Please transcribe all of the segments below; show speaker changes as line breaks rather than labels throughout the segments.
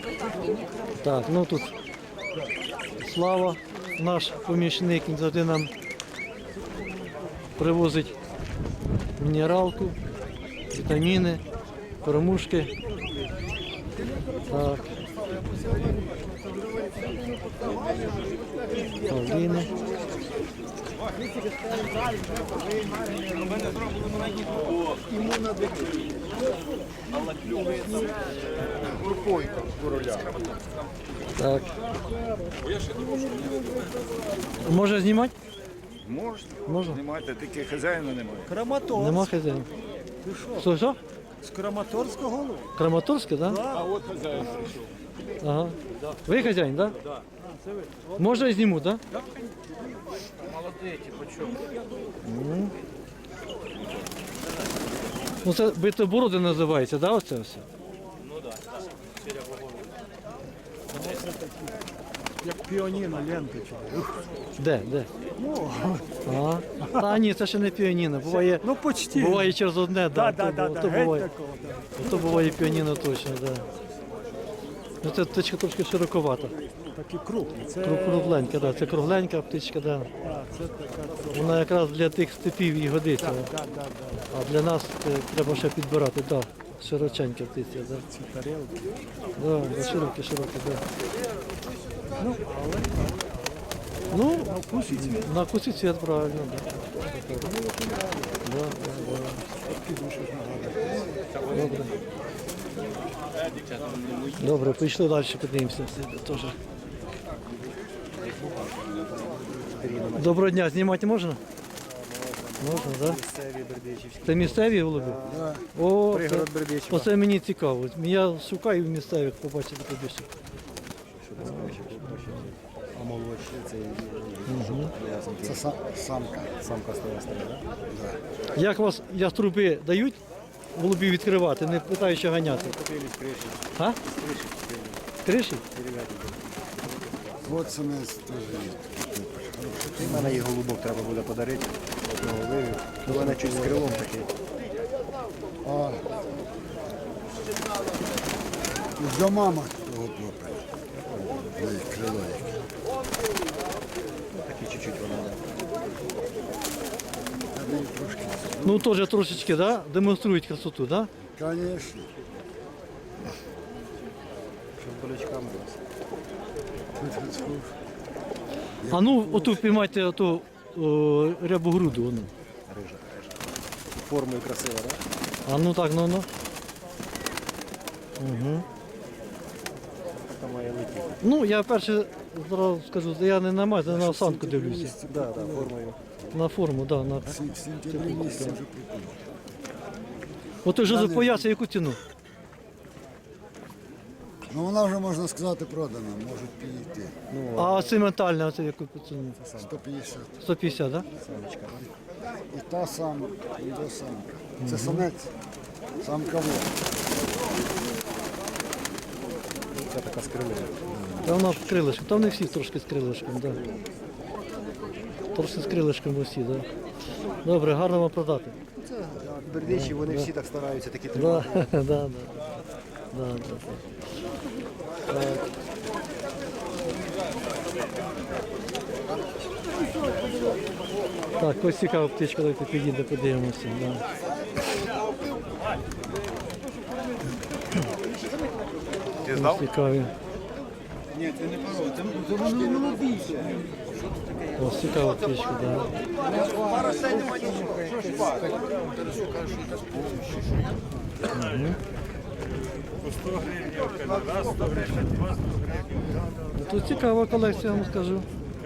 Так, ну тут Слава, наш помічник, він завжди нам привозить мінералку, вітаміни, кормушки. Так. Павліни. Так. Може знімати?
Можна. Знімайте, тільки хазяїна немає.
Краматорськ.
Нема хазяїна. Що?
З Краматорського голуб.
Краматорське, так? Да?
А от хазяїн прийшов.
Ага. Ви хазяїн, так? Да? Так. Може я зніму, так? Да?
Молодий, по чому?
Ну це битобороди називається, так, да, оце все?
Ну так.
Як піаніно, ленточка.
Де?
Ну,
А. Та ні, це ще не піаніно. Буває,
ну почти.
буває через одне,
Да,
да,
да,
то
геть
буває.
такого, да.
То буває піаніно точно, так. Да. Ну це птичка трошки широковата.
Такі крупні. Це,
Кругленька, да. Це кругленька птичка, да.
це така.
Вона якраз для тих степів і годиться.
Да.
А для нас треба ще підбирати, да. Широченька птиця, да.
Ці тарелки.
Да, широкі, да.
Ну, але
Ну,
на вкусі цвіт.
на вкусі цвіт, правильно, да. Да. Добре. Добре, пішли далі, подивимося. Теж. Доброго дня, знімати можна? Можна, так?
Місцеві бердичівські.
Це місцеві голуби?
Да.
О,
Пригород
це,
Бердичева.
оце мені цікаво. Я шукаю в місцевих побачити побільше.
А молодші це
Це самка.
самка стоястая, так?
Як вас яструби дають голубів відкривати, не питаючи ганяти?
Купили з криші.
А? З криші?
От це нас теж є.
У мене їх голубок треба буде подарити. Одного вивів. У мене чуть з крилом такий.
А до мама того хлопця. Крило яке.
Такий чуть-чуть вона.
Я даю трошки.
Ну теж трошечки, да? Демонструють красоту, да?
Звісно.
Щоб болячками у вас.
А ну оту піймайте оту рябогруду. Воно.
Рижа. Формою красива, так?
А ну так, ну. Угу.
Така має летіти.
Ну, я перше зразу скажу, я не на мать, я на осанку дивлюся.
Так, формою.
На форму, да, на.
В сентябрі місяці вже прикольно.
От вже запояся, яку ціну?
Ну вона вже, можна сказати, продана, можуть підійти.
А цементальна, оце яку ціну?
150.
150, да?
І та сама, і та самка. Це самець. Самка вот.
Це така з крилом.
Та вона з крилишком, там не всі трошки з крилишком, да. Трошки з крилишком усі, да. Добре, гарно вам продати.
Бердичі, вони всі так стараються, такі
Да,
тримати.
да. Так, ось цікава птичка, давайте підійде, подивимося. Да.
Ти здав?
Цікаві.
Ні, це не паро, це воно молодіше.
Ось цікава птичка, да.
По 100 гривень, раз 100 гривень, два 100 гривень.
Ну, тут цікава колекція, я вам скажу.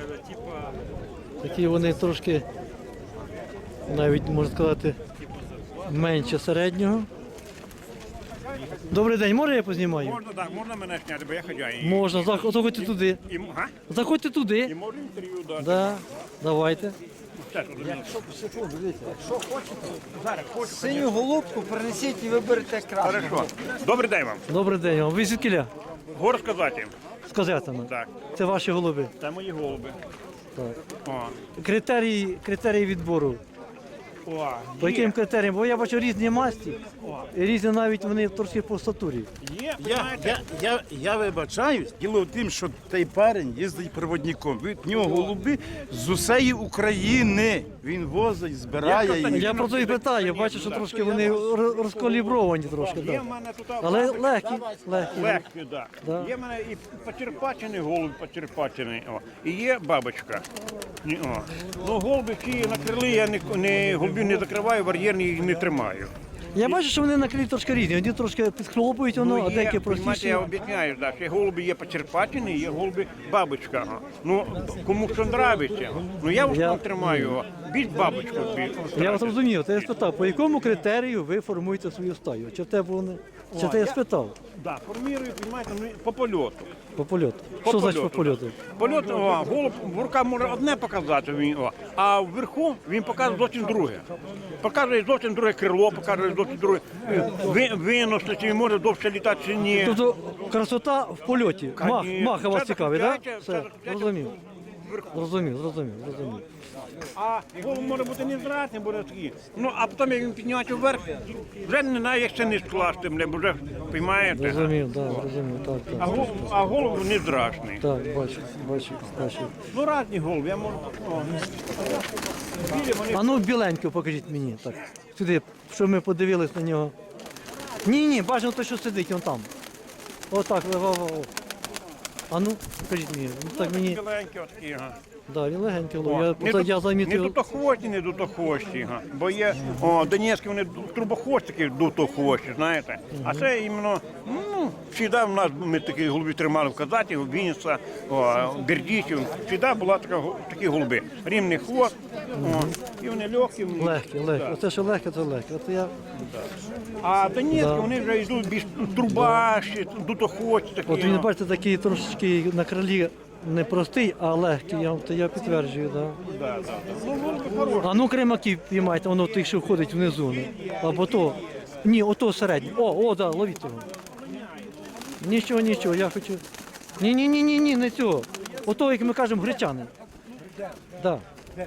Такі вони трошки, навіть можна сказати, менше середнього. Добрий день, може я познімаю?
Можна, так, можна мене зняти, бо я хазяїн.
Можна, заходьте туди.
Га?
Заходьте
І
туди.
можна інтерв'ю дати.
Да, давайте.
Синю голубку принесіть і виберете красну.
Хорошо. Добрий день вам.
Добрий день вам. Ви звідкіля?
Гор сказати.
З козятами.
Так.
Це ваші голуби.
Це мої голуби.
Так.
О.
Критерії відбору.
О,
По яким критеріям? Бо я бачу різні масті, і різні навіть вони трошки по статурі.
є,
Я вибачаюсь, діло в тім, що цей парень їздить проводником. В нього голуби з усієї України. Він возить, збирає їх.
Я про це і питаю, бачу, що трошки вони розкалібровані трошки.
є
Да.
в мене тут
Але легкі, легкі.
легкі, так.
Да.
Є в мене і почерпачений голуб, почерпачений, і є бабочка. О. Ну, голуби ці на крилі я голубів не закриваю, вар'єрні їх не тримаю.
Я бачу, що вони на крилі трошки різні. Одні трошки підхлопують воно, а деякі
понімаєте,
простіші.
я об'ясняю, да, що голуби є почерпачені, є голуби бабочка. Ну, кому що нравиться. Ну, я в основному тримаю його, більш бабочку.
Я вас розумів, то я спитав, по якому критерію ви формуєте свою стаю? Чи в тебе вони? Чи ти я спитав?
Да, формірую, понімаєте, ну, по польоту.
По польоту. Що значить по польоту?
Польот, голуб в руках може одне показати, а вверху він показує зовсім друге. Показує зовсім друге крило, показує зовсім друге винос, чи він може довше літати, чи ні.
Тобто красота в польоті. Мах вас
Це
цікавий, так?
це-
Все,
це-
зрозумів.
Вверху.
Зрозумів.
А голуб може бути невзратний, буде такий. Ну, а потім, як він піднімається вверх, вже не знаю, як це не скласти, бо вже, розумієте?
Зрозумів, так.
А голуб не страшний.
Так, бачу.
Ну, різні голуби, я можу. Білі вони.
А ну біленьку покажіть мені. Так. Сюди, щоб ми подивились на нього. Ні, бажано те, що сидить, он там. Отак, А ну, покажіть мені. Ну, так мені.
Біленькі отакі, ага.
Да, він легенький.
Не
Я замітив.
Не дутохвості, не дутохвості. Ага. Бо є донецькі, вони трубохвостики дутохвості, знаєте. А це іменно, завжди в нас, ми такі голуби тримали в Казаті, в Вінниця, Бердичів. Завжди була такі голуби. Рівний хвост, і вони легкі.
Легкі. Оце що легке, це легке. От я...
А донецькі, вони вже йдуть більш трубаші, дутохвості такі.
От він, бачите, такий трошечки на крилі не простий, а легкий. Я підтверджую, так.
Да. Ну, голуби хороші.
А ну кремаків піймайте, воно тих, що входить внизу. Або то. Ні, ото середнє. Да, ловіть його. Нічого, я хочу. Ні, не цього. Ото, як ми кажемо, гречани. Да.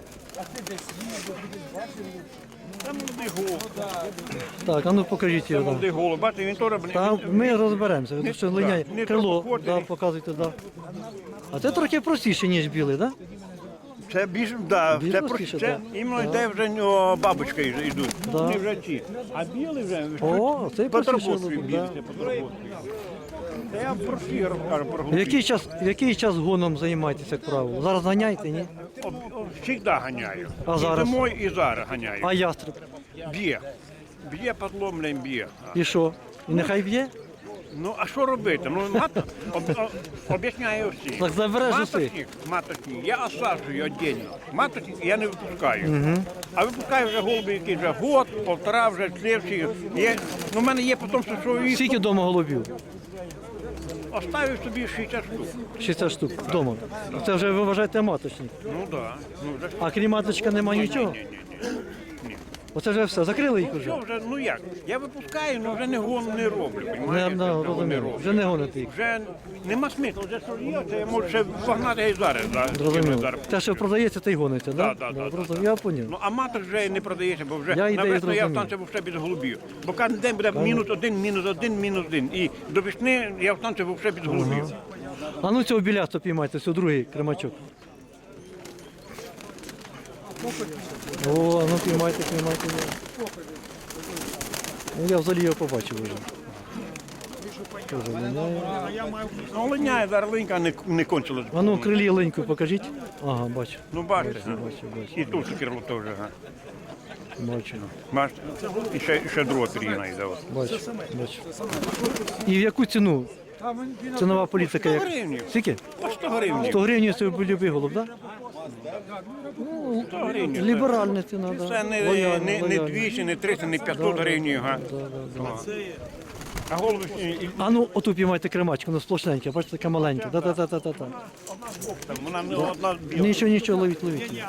Це молодий голуб.
Так, а ну покажіть
Це
його. Да.
молодий голуб. Бачите, він теж,
Та ми розберемося, тому що линяє
не
крило,
трохоходний.
да, показуйте, да. А це трохи простіше, ніж білий, так?
Це більш, да,
Більш
це,
простіше,
це
да.
іменно йде вже бабочка йдуть.
Да.
Вони вже ті. А білий вже
О, цей простіше
подработки
голуб,
білий,
да.
це подработки. Та я прості кажу про голубів.
В який час гоном займаєтеся, як правило? Зараз ганяєте, ні?
Завжди ганяю.
А зараз?
І зимою, і зараз ганяю.
А ястреб?
Б'є. Б'є подломлем, б'є.
І що? І нехай б'є?
Ну, а що робити? Ну, об'ясняю всі.
Так забереш уси.
Маточник, я осаджую віддільно. Маточник я не випускаю. А випускаю вже голуби, які вже год, полтора, вже слідчі. У мене є потім, що їх
Скільки вдома голубів?
оставив собі 60 штук.
60 штук вдома. Це вже ви вважаєте маточник.
Ну так. Ну, вже
А крім маточка нема нічого?
ні.
Оце вже все, закрили їх
Що
вже?
вже, ну як? Я випускаю, але вже не роблю.
Не,
понімаєте? Вже не
розумію.
роблю.
Вже не гоните їх.
Вже нема смислу, вже що є, це я можу ще погнати і зараз.
Зрозуміло.
Зараз.
Те, що продається, те й гониться,
Да,
так?
да,
да, я поняв.
Ну, а маток вже не продається, бо вже
Я ідею
навесно я
зрозумів.
встанцію вже без голубів. Бо кожен день буде мінус один. І до весни я встанцію вже без голубів.
А ну цього білясту піймайте, це другий кремачок. О, ну піймайте. Ну, я взагалі його побачив вже. Тоже линяє.
Ну, линяє, зараз линька не кончилась.
А ну крилі леньку покажіть. Ага, бачу.
Ну, бачите, га?
Бачу.
І тут крило теж. Га?
Бачу.
Бачите? І ще друга пір'їна йде. от.
Бачу. І в яку ціну? Цінова політика як?
100 гривень.
Скільки?
По 100 гривень.
100 гривень це любий голуб, так?
100 гривень.
Ліберальна ціна, так.
Це не 200, не 300, не 500 гривень. Га? А голуби
А ну оту піймайте кремачку, воно сплошненьке, бачите, таке маленьке. Да.
вона не одна біла.
Нічого, ловіть.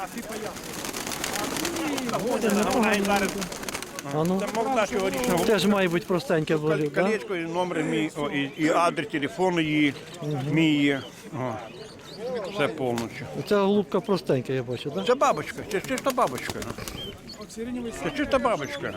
А ну,
Це молода цьогорічна голуба.
теж має бути простеньке голуб, так?
Колечко, і номер мій, і адрес телефону її, мій є. Все повністю.
Ця голубка простенька, я бачу, так?
Це бабочка, це чиста бабочка. Це чиста бабочка.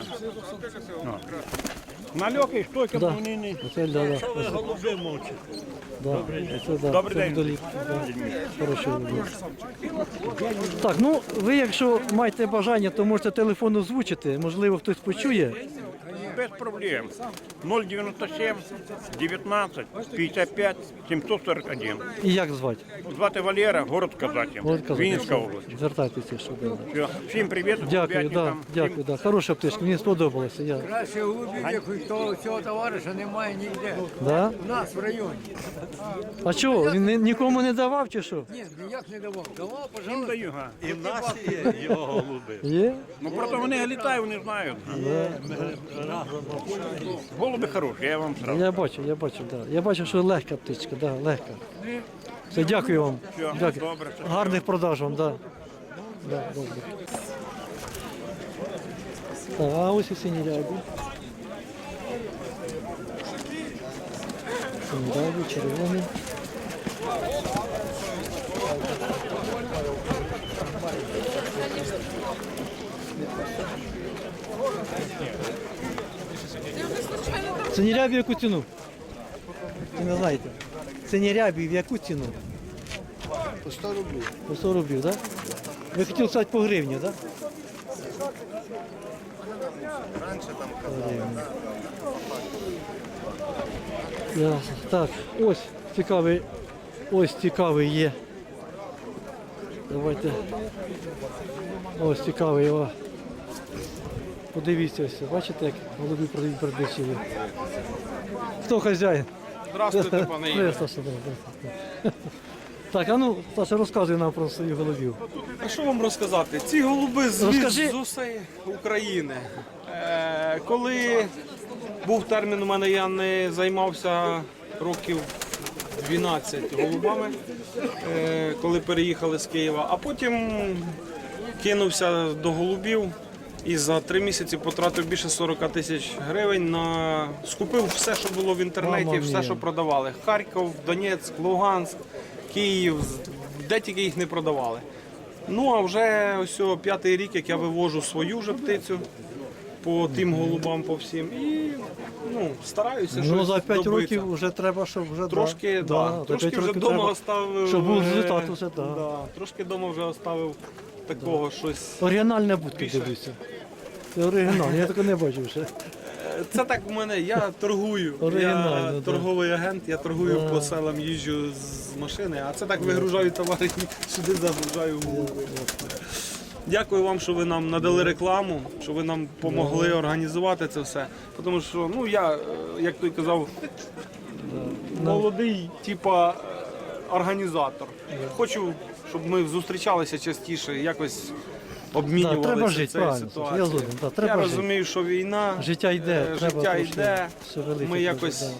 Нальоки, штойка,
Да.
вони не...
Оце, да.
Голуби мовчать.
Це, да.
Добрий
це
день.
вдолі, да. Хороший голубок. Так, ну ви, якщо маєте бажання, то можете телефон озвучити. Можливо, хтось почує.
Без проблем. 097 19 55 741.
І як звати?
Звати Валера, город Казаті,
От казати,
Вінницька
що
область.
Звертайтеся, що буде.
Все. Всім привіт,
Дякую, да,
там.
дякую, да. Хороша птичка, мені сподобалося. Я...
Краще голубів, як того цього товариша немає ніде.
Да?
У нас в районі.
А чого? Він нікому не давав чи що?
Ні, ніяк не давав. Давав,
Всім
пожалуйста.
даю, га.
І в нас є його голуби.
Є?
Ну просто вони літають, вони знають. Голуби хороші, я вам сразу.
Я бачу, да. Я бачу, що легка птичка, да, легка. Все, дякую вам.
Все,
Дякую.
добре, все.
Гарних продаж вам, да. Да, добре. Так, а ось і сині рябі. Сині рябі, червоні. Сині рябі в яку ціну? Ви не знаєте. Сині рябі в яку ціну?
По 100 рублів.
По 100 рублів, так? Да? Ви хотіли сказати по гривні, так? Да? Так, ось цікавий є. Давайте. Ось цікавий. О. Подивіться ось, бачите, як голуби продають передачі. Хто хазяїн?
Здравствуйте, пане Ігор.
Привіт, Саша, да. Так, а ну, Саша, розказуй нам про своїх голубів.
А що вам розказати? Ці голуби
Розкажи.
з усієї України. Коли був термін у мене, я не займався років 12 голубами, коли переїхали з Києва, а потім кинувся до голубів і за 3 місяці потратив більше 40 тисяч гривень скупив все, що було в інтернеті,
Мама
все,
мія.
що продавали. Харків, Донецьк, Луганськ, Київ, де тільки їх не продавали. Ну а вже ось 5-й рік, як я вивожу свою вже птицю по тим голубам, по всім. І стараюся
Ну,
щось
за 5
добитися.
років вже треба, щоб вже...
Трошки,
за
трошки
5
вже
років
вдома
треба,
оставив.
щоб був результат усе, да.
Трошки вдома вже оставив такого щось.
Оригінальна будка, дивлюся. Це оригінал, я таке не бачив ще.
Це так у мене, я торгую.
Оригінально,
Я
да.
торговий агент, я торгую по селам, їжджу з машини, а це так вигружаю товари, сюди загружаю голуби. Дякую вам, що ви нам надали рекламу, що ви нам допомогли організувати це все. Тому що, я, як той казав, молодий, типа організатор. Хочу, щоб ми зустрічалися частіше, якось обмінювалися
треба жити,
цією
правильно,
ситуацією.
я згоден, да, треба
Я
жити.
розумію, що війна,
Життя йде, треба
життя
трошки
йде,
шевелити
ми
теж,
якось...
да.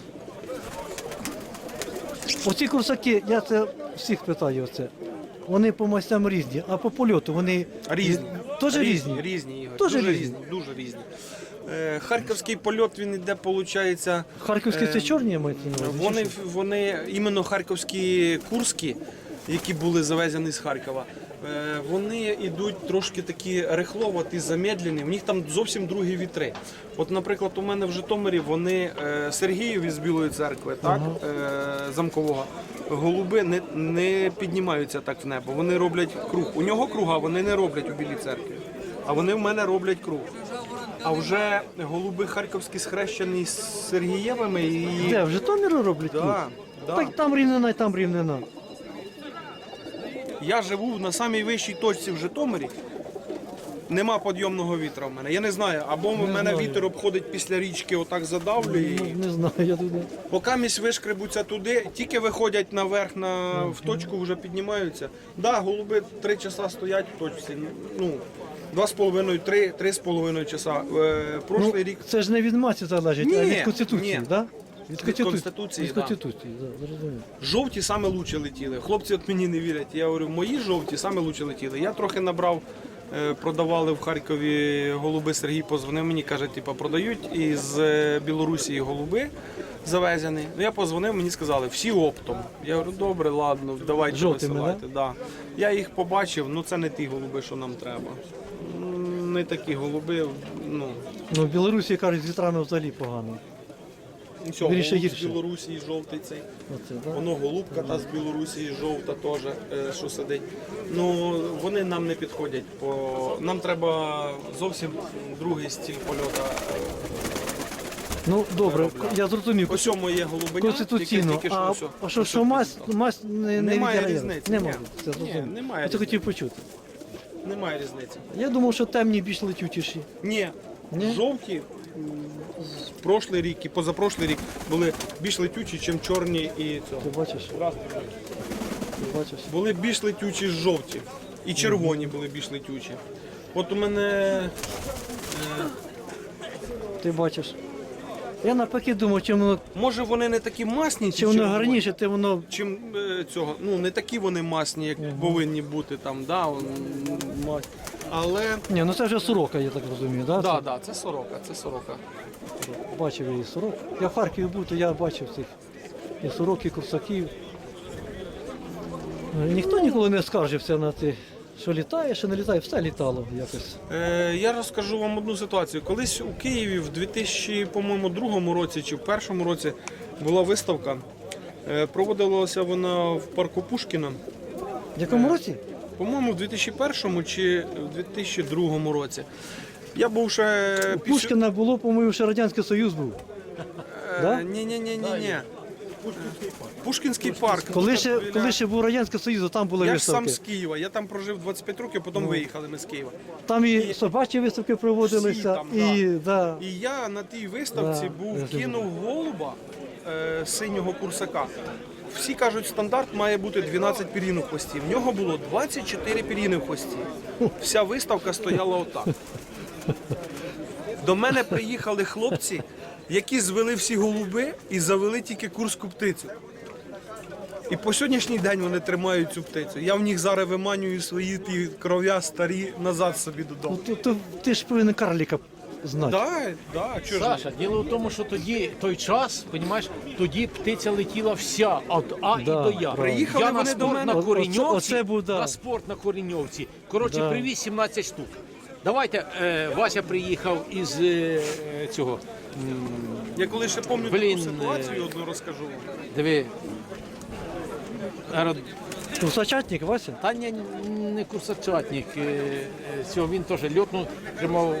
Оці курсаки, я це всіх питаю оце. Вони по мастям різні, а по польоту вони
Різні.
Теж різні?
Різні, Ігор.
Теж
дуже
різні?
Дуже різні. Харківський польот, він іде, виходить...
Харківські це чорні мають на увазі, чи що?
Вони іменно харківські курські, які були завезені з Харкова, вони йдуть трошки такі рихловаті, замедлені, в них там зовсім другі вітри. От, наприклад, у мене в Житомирі вони Сергіїв із Білої церкви, так, замкового, голуби не піднімаються так в небо, вони роблять круг. У нього круга вони не роблять у Білій церкві, а вони в мене роблять круг. А вже голуби харківські схрещені з Сергієвими і...
Де, в Житомирі роблять?
Да,
тут?
да.
Так там рівнина і там рівнина.
Я живу на самій вищій точці в Житомирі. Нема підйомного вітра в мене. Я не знаю, або в мене
знаю.
вітер обходить після річки, отак задавлює. І...
Не знаю, я тут.
Поки місь вишкребуться туди, тільки виходять наверх в точку, вже піднімаються. Да, голуби 3 часа стоять в точці. 2,5-3,5 часа. Прошлий рік
Це ж не від маці залежить, а
Ні,
від Конституції,
ні.
да?
Від Конституції,
Від
да.
Конституції, да, зрозуміло.
жовті саме лучше летіли. Хлопці от мені не вірять. Я говорю, мої жовті саме лучше летіли. Я трохи набрав, продавали в Харкові голуби. Сергій позвонив мені, каже, продають із Білорусі голуби завезені. Я позвонив, мені сказали, всі оптом. Я говорю, добре, ладно, давайте
Жовтими,
висилайте. Да? Я їх побачив, це не ті голуби, що нам треба. вони такі голуби, ну,
Ну, в Білорусі, кажуть, з вітрами взагалі погано.
все,
Більше
голуб з
гірше.
Білорусі жовтий цей.
Оце, да?
Воно голубка та з Білорусі жовта теж, що сидить. Ну, вони нам не підходять, бо нам треба зовсім другий стиль польоту.
Ну, добре, я зрозумів.
По цьому є голубиня,
Конституційно.
яке тільки
А
що
що мазь не
Немає
відіграє?
різниці,
Нема.
ні.
Це зрозумів.
Ні, немає
Я це хотів
різниці.
почути.
Немає різниці.
Я думав, що темні більш летючіші.
Ні,
Ні?
жовті прошлий рік і позапрошлий рік були більш летючі, ніж чорні і цього.
Ти бачиш? Ти бачиш?
Були більш летючі жовті. І червоні були більш летючі. От у мене
Ти бачиш. Я навпаки думав, чим воно,
може вони не такі масні,
чим воно гарніше, тим воно
чим цього. Ну не такі вони масні, як повинні бути там, да, але
Ні, ну це вже сорока, я так розумію, да?
да, да, це сорока, це сорока.
Бачив я і сорок. Я в Харкові був, то я бачив цих і сорок, і курсаків. Ніхто ніколи не скаржився на те, що літає, що не літає, все літало якось.
Я розкажу вам одну ситуацію. Колись у Києві в 2002 році чи в першому році була виставка. Проводилася вона в парку Пушкіна.
В якому році?
По-моєму, в 2001 чи в 2002 році. Я був ще
У Пушкіна було, по-моєму, ще Радянський Союз був. Да?
Ні. Пушкінський парк.
Коли ще був Радянський Союз, то там були
Я ж сам
виставки.
з Києва. Я там прожив 25 років, потім виїхали ми з Києва.
Там і собачі виставки проводилися,
Всі там,
і да.
І я на тій виставці
Да, я
був,
знаю.
кинув голуба синього курсака. Всі кажуть, стандарт має бути 12 пір'їн у хвості. В нього було 24 пір'їни в хвості. Вся виставка стояла отак. До мене приїхали хлопці, які звели всі голуби і завели тільки курську птицю. І по сьогоднішній день вони тримають цю птицю. Я в них зараз виманюю свої ті кров'я старі назад собі додому.
Ну, ти ж повинен карліка знати.
Да, чого ж ні?
Саша, діло в тому, що тоді той час, понімаєш, тоді птиця летіла вся від А і до Я.
Приїхали
Я на
вони до
спорт
мене.
на Кореньовці,
Оце був, да.
на спорт на Кореньовці. Коротше,
Да.
привіз 17 штук. Давайте, Вася приїхав із цього,
Я коли ще пам'ятаю
Блін,
таку ситуацію, одну розкажу.
диви,
Курсачатник, Вася?
та ні, не курсачатник, цього він теж льотнув, тримав,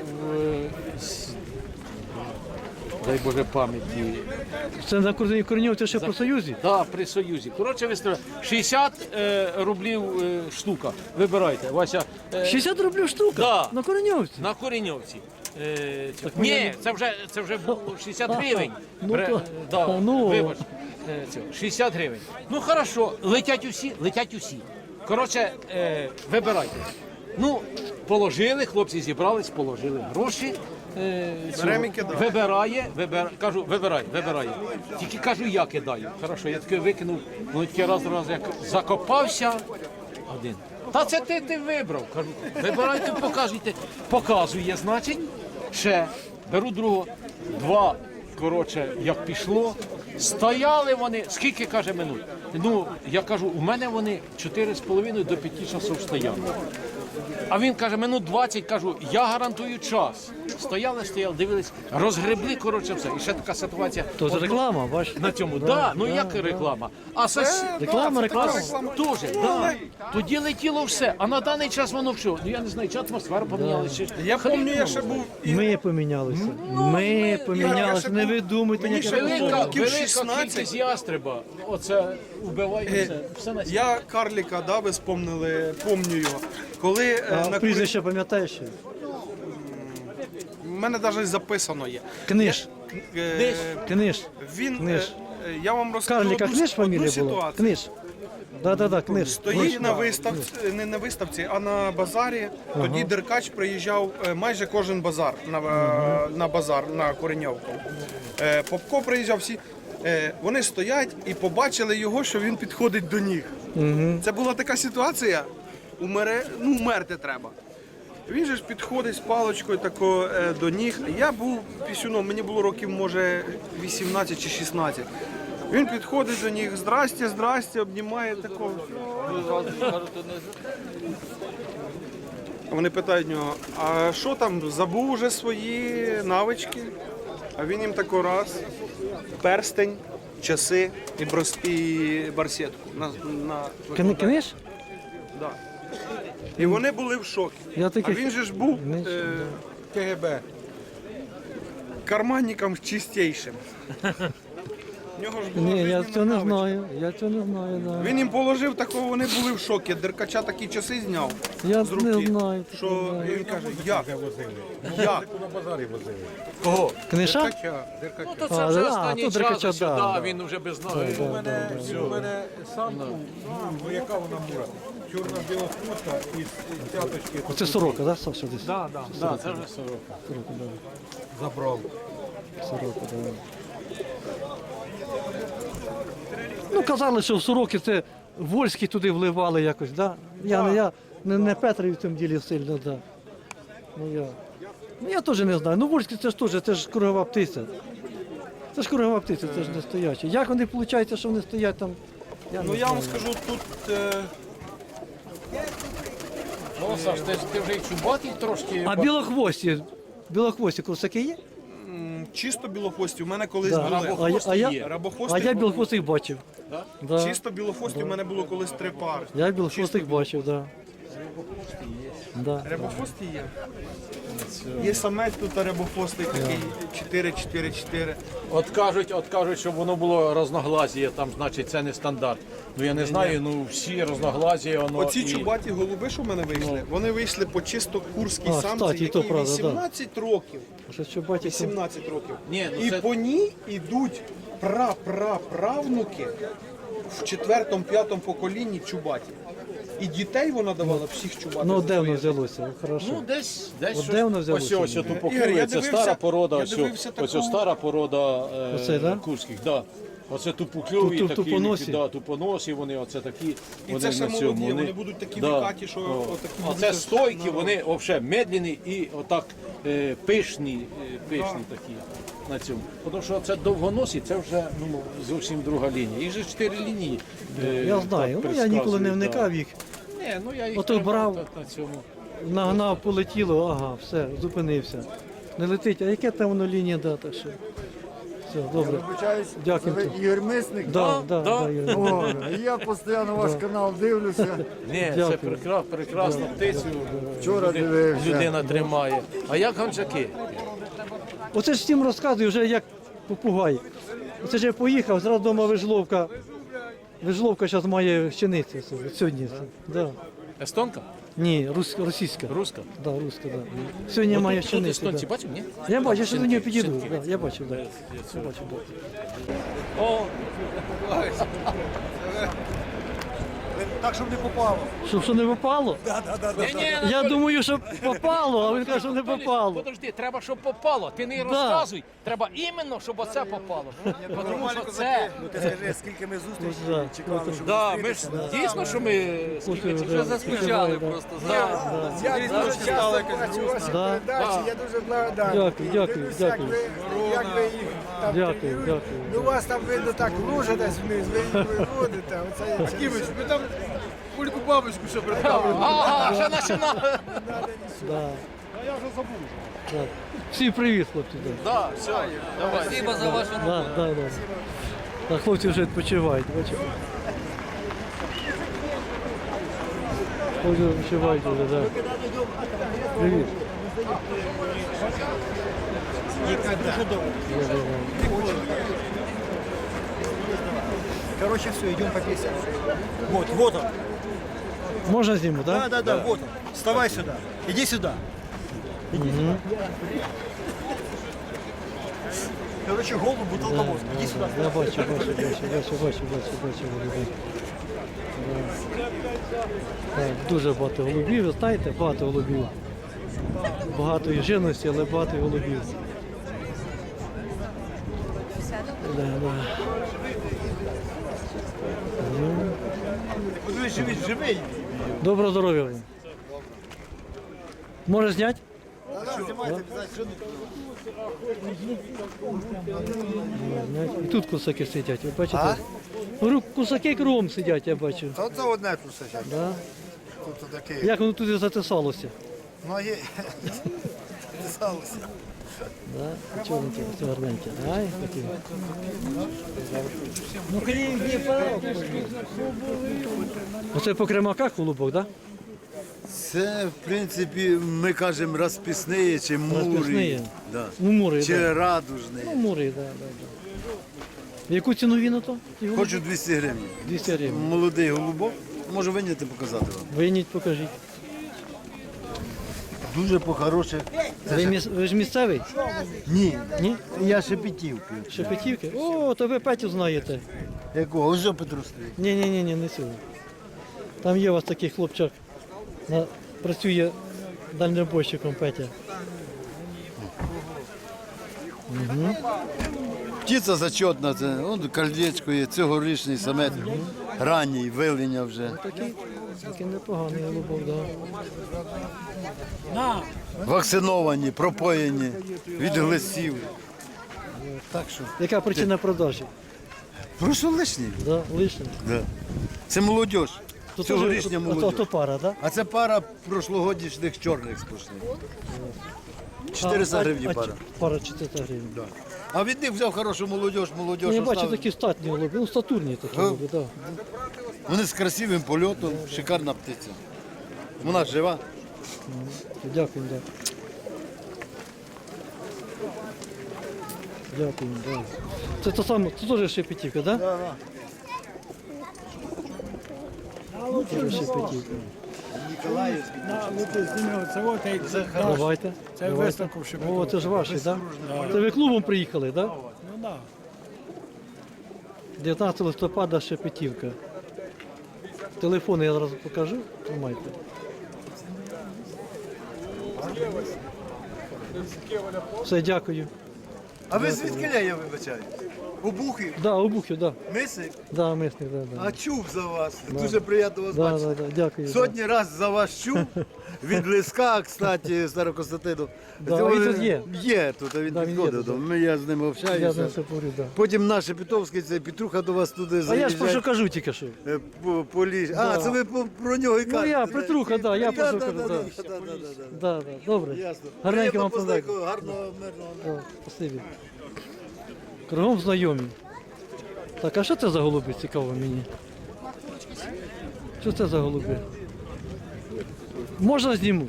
дай Боже пам'яті.
Це на Кореньовці ще по Союзі?
Так, при Союзі. Коротше, виставляю. 60 рублів штука. Вибирайте, Вася.
60 рублів штука?
Да.
На Кореньовці?
На Кореньовці.
ми
Ні,
не-
це вже було 60 гривень.
Ну, то-
да,
ну.
Вибач. 60 гривень. Ну, хорошо, летять усі. Коротше, вибирайте. Ну, положили, хлопці зібрались, положили гроші.
Беремо і кидаємо.
Кажу, вибирай. Тільки кажу, я кидаю. Хорошо, я таки викинув, ну тільки раз як закопався один. Та це ти вибрав. Кажу, вибирайте, показуйте. Показує, значить, ще беру другого. Два, коротше, як пішло. Стояли вони, скільки, каже, минут? Ну, я кажу, у мене вони 4,5 до 5 часов стояли. А він каже, минут 20, кажу, я гарантую час. Стояли, дивились, розгребли, коротше, все. І ще така ситуація.
То це реклама, бачиш?
На цьому, ну як реклама. А
Реклама.
Теж, да. Тоді летіло все, а на даний час воно що? Ну я не знаю, чи атмосфера помінялася.
Я пам'ятаю, я ще був
Ми помінялися. Ми помінялися. Не ви думайте,
Мені
ніяке
ще
Велика
років 16.
кількість ястреба. Оце вбиває все на світі.
Я карліка, да, ви спомнили, помню його. Коли на
прізвище пам'ятаєш? ще?
У мене навіть записано є.
Книж. Книж.
Він,
Книж.
я вам розкажу
Карліка
одну,
Книж фамілія
одну
була?
ситуацію.
Книж. Да, Книж.
Стоїть на виставці, не на виставці, а на базарі. Тоді Деркач приїжджав майже кожен базар на базар на Кореньовку. Попко приїжджав всі. Вони стоять і побачили його, що він підходить до них. Це була така ситуація, умерти треба. Він же ж підходить з паличкою тако, до ніг. Я був пісюном, мені було років, може, 18 чи 16. Він підходить до них, здрасте, обнімає такого. Вони питають нього, а що там, забув уже свої навички? А він їм тако раз, перстень, часи і барсетку.
Книж?
Да. І вони були в шокі.
Я
А
таких
він же ж був
не
КГБ. Карманником чистейшим. В нього ж була
Ні, я
жизненна
цього не
навичка.
знаю. Я цього не знаю, да.
Він їм положив такого, вони були в шокі. Деркача такі часи зняв
Я
з руки.
не знаю.
Що він каже, як? Як?
Кого?
Книша?
Деркача.
Ну то це
А,
вже
да,
останній
то
час,
Деркача,
ось,
да,
да,
да.
він вже без ноги.
У мене самку, ну яка вона мура? Чорна біла хвоста із цяточки
Це сорока, так, Саша, десь?
Да, це вже сорока.
забрав.
Сорока, да. Ну, казали, що в сороки це вольські туди вливали якось, да? Я не Петрий в цьому ділі сильно, да. Ну я теж не знаю. Ну, вольські це ж теж, це ж кругова птиця. Це ж кругова птиця, це ж не стоячі. Як вони, виходить, що вони стоять там?
Ну я вам скажу, тут
Ну, Саш, ти вже і чубатий трошки.
А білохвості курсаки є?
чисто білохвості. У мене колись
Да.
були.
А
Рабохвости
я білохвостих бачив. Да.
Чисто білохвості у мене було колись 3 пари.
Я білохвостих бачив, так. Да.
Рябохвості є. Є самець тут рябохвостий такий 4-4-4.
От кажуть, щоб воно було разноглазіє, там, значить, це не стандарт. Ну я не знаю, ну всі разноглазіє, воно.
Оці
і...
чубаті голуби, що в мене вийшли, вони вийшли по чисто курській
А,
самці,
кстати, і то
якій
правда, да.
18 років.
Що, що бачите?
18 років.
Ні, ну
І
це-
по ній йдуть правнуки в 4-5 поколінні чубаті. І дітей вона давала всіх чубатих.
Ну,
за
де воно
своє
взялося? Хорошо.
Ну, десь
От
щось.
де воно взялося?
Ось тут
Ігор,
покує,
я
це
дивився-
стара порода,
я
ось
дивився
ось
таку-
стара порода
Оце, да?
курських, да. Оце тупокльові
Ту-
такі,
тупоносі?
да, тупоносі, вони оце такі.
І
вони
це ще
на цьому,
молоді, вони будуть такі вікаті, що отакі
А
будуть
це
аж-
стойкі, вони взагалі медлені і отак пишні такі на цьому. Тому що це довгоносі, це вже ну, зовсім друга лінія. Їх же 4 лінії.
Я знаю, ну я ніколи не вникав їх.
Ні, ну я їх
Ото
тримав
брав.
на цьому.
Нагнав, полетіло, ага, все, зупинився. Не летить, а яке там воно лінія, да, так що. Все, добре.
Вибачаюсь,
Дякую.
це ви Ігор Мисник?
Да, Юрій.
О, я постійно ваш канал дивлюся.
Ні,
Дякую.
це прекрасна птицю.
Вчора дивився.
Людина тримає. А як гончаки?
Оце ж всім розказую, вже як попугай. Оце ж я поїхав, зразу вдома вижловка. Вижловка зараз має щеницю сьогодні. Да.
Естонка?
Ні, російська.
Руська?
Да, руська, да. Сьогодні має
Тут
щеницю.
естонці
Да.
бачив, ні?
Я бачу, я ще до нього підійду.
Щенки.
Да, я бачив, да. Я бачив, да.
Так, щоб не попало.
Що не попало?
Ні-ні,
Я думаю, що попало, а він каже, що не попало.
Подожди, треба, щоб попало. Ти не розказуй. Треба іменно, щоб оце попало. Тому що це...
Ну ти скажи, скільки ми зустрічей
Да.
чекали, щоб
Да, ми ж дійсно, що ми скільки
Слухай,
вже
да.
заскучали
Да.
просто.
Я дуже часто бачу ваші
Да.
передачі, я дуже благодарний.
Дякую, дякую,
Дивлюся, як
дякую.
як ви їх там
Дякую,
тренуєте.
дякую.
Ну, у вас там видно так лужа десь вниз, ви їх виводите. Оце
Кимось, ми там кульку бабочку ще представили.
Ага, вже починали.
Да. А я вже забув. Да. Всім привіт, хлопці. Да.
Да, все, давай. Спасибо за вашу
Да, да, да. Так, хлопці вже відпочивають, бачите. Хлопці відпочивають вже, да. Привіт.
Короче, все, идем по песне. Вот он.
Можна зніму, так?
Да, вот он. Вставай сюда. Иди сюда. Короче, голубу толковоз. Иди сюда.
Я бачу. Так, дуже багато голубів, ви знаєте, багато голубів. Багато і живності, але багато і голубів. Да.
Живий.
Доброго здоров'я вам. Може зняти? І тут кусаки сидять, ви бачите? Кусаки кругом сидять, я бачу.
Та це одне тут сидять.
Да?
Тут таке.
Як воно туди затисалося?
Ноги писалися.
Да? Чорненькі, ось гарненькі. Ай, такі. Оце по кремаках голубок, так?
Це, в принципі, ми кажемо розписні чи мурі.
Розписні?
Да.
Ну, мури,
Чи
так.
радужні.
Ну, мури, так. В яку ціну він ото? ці голуби?
Хочу 200 гривень.
200 гривень.
Молодий голубок. Можу виняти показати вам.
Вийніть, покажіть.
Дуже по-хороших.
Ви ж місцевий?
Ні,
Ні?
я Шепетівки.
Шепетівки? О, то ви Петю знаєте.
Якого? Ось Петру стоїть.
Ні, не цього. Там є у вас такий хлопчак. Працює дальнобойщиком Петя.
Птиця зачетна, це он кольдечко є, цьогорічний самець. Ранній, вилення вже.
Такий непоганий голубок, да.
Вакциновані, пропоєні від глисів. Так що.
Яка причина продажі?
Просто лишні.
Да, лишня.
Да. Це молодь.
То
Цьогорічня молодь.
Ото пара, так?
А це пара прошлогодішніх чорних сплошних. 400 гривень пара.
Пара 400 гривень.
Да. А від них взяв хорошу молодь,
Ну, я бачу
оставив.
такі статні голуби, ну статурні такі голуби, так.
Вони з красивим польотом, шикарна птиця. Вона жива.
Дякую, так. Дякую, так. Це то саме, це теж Шепетівка, так? Так, так. Теж Шепетівка. Давайте.
Це виставку в Шепетівці.
О, це ж ваші, так? Це ви клубом приїхали, так?
Ну так.
19 листопада Шепетівка. Телефони я зараз покажу. Тримайте. Все, дякую.
А ви звідки я вибачаю? Обухи,
Да, обухів, да.
мисик,
Да, мисник, да, да.
а чув за вас. Дуже приємно вас
Да,
бачити.
да, да, дякую.
Сотні раз за вас чув. Від Лиска, кстати, Старокостянтину.
Да, а він тут є?
Є тут, а він
Да, він є
підходив.
тут,
до мене, Я з ним
Я
общаюся.
з ним все говорю, да.
Потім наш Шепетовський, це Петруха до вас туди
А я ж про що
заїжджає.
кажу тільки що.
По ліжі. А, це ви про нього і кажете.
я,
да?
Петруха, да, я про що
Да,
кажу,
да,
да.
да, да, да, да.
Да, да, добре.
Ясно.
Гарненько вам
Приємно
подякую.
гарного, мирного.
Да, спасибі. Кругом знайомі. Так, а що це за голуби, цікаво мені? Що це за голуби? Можна зніму?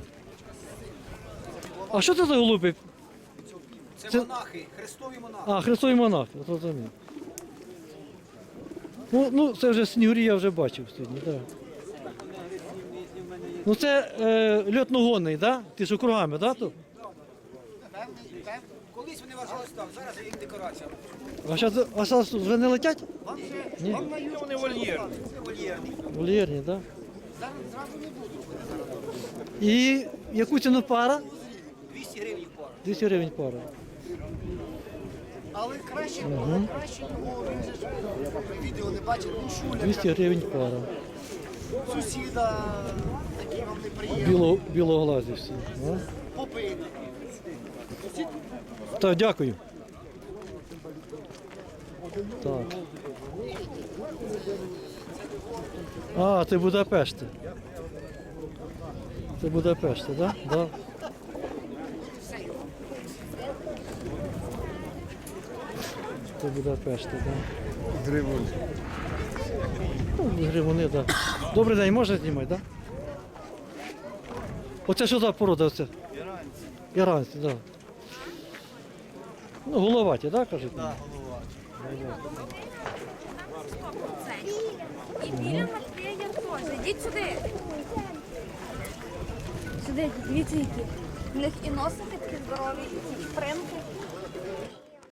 А що це за голуби?
Це монахи, хрестові монахи.
А, Христові монахи, зрозумів. Ну, це вже снігурі я вже бачив сьогодні, так. Ну це льотногонний, так? Да? Ти ж округами, так? Да,
Колись вони вважалися там, зараз їх декорація.
а зараз вже не летять? Ні.
Вони вольєрні.
Вольєрні, так? Да? І яку ціну пара?
200 гривень пара.
200 гривень пара.
Але краще його, він же ж відео не бачив, він шуля,
200 гривень пара.
сусіда, такі вам неприємні,
Білоглазі всі. А?
попити.
Так, дякую. Так. А, це Будапешти. Це Будапешти, так? Да? Да. Це Будапешти, так. Да.
Гривень.
Ну, гривуни, так. Да. Добрий день, можна знімати, так? Да? Оце що за порода? Оце? Іранці, так. Да. Ну, головаті, так, кажуть? Так,
І біля Матвія теж. Ідіть сюди. Сюди, дивіться які. У них і носики такі здорові, і примки.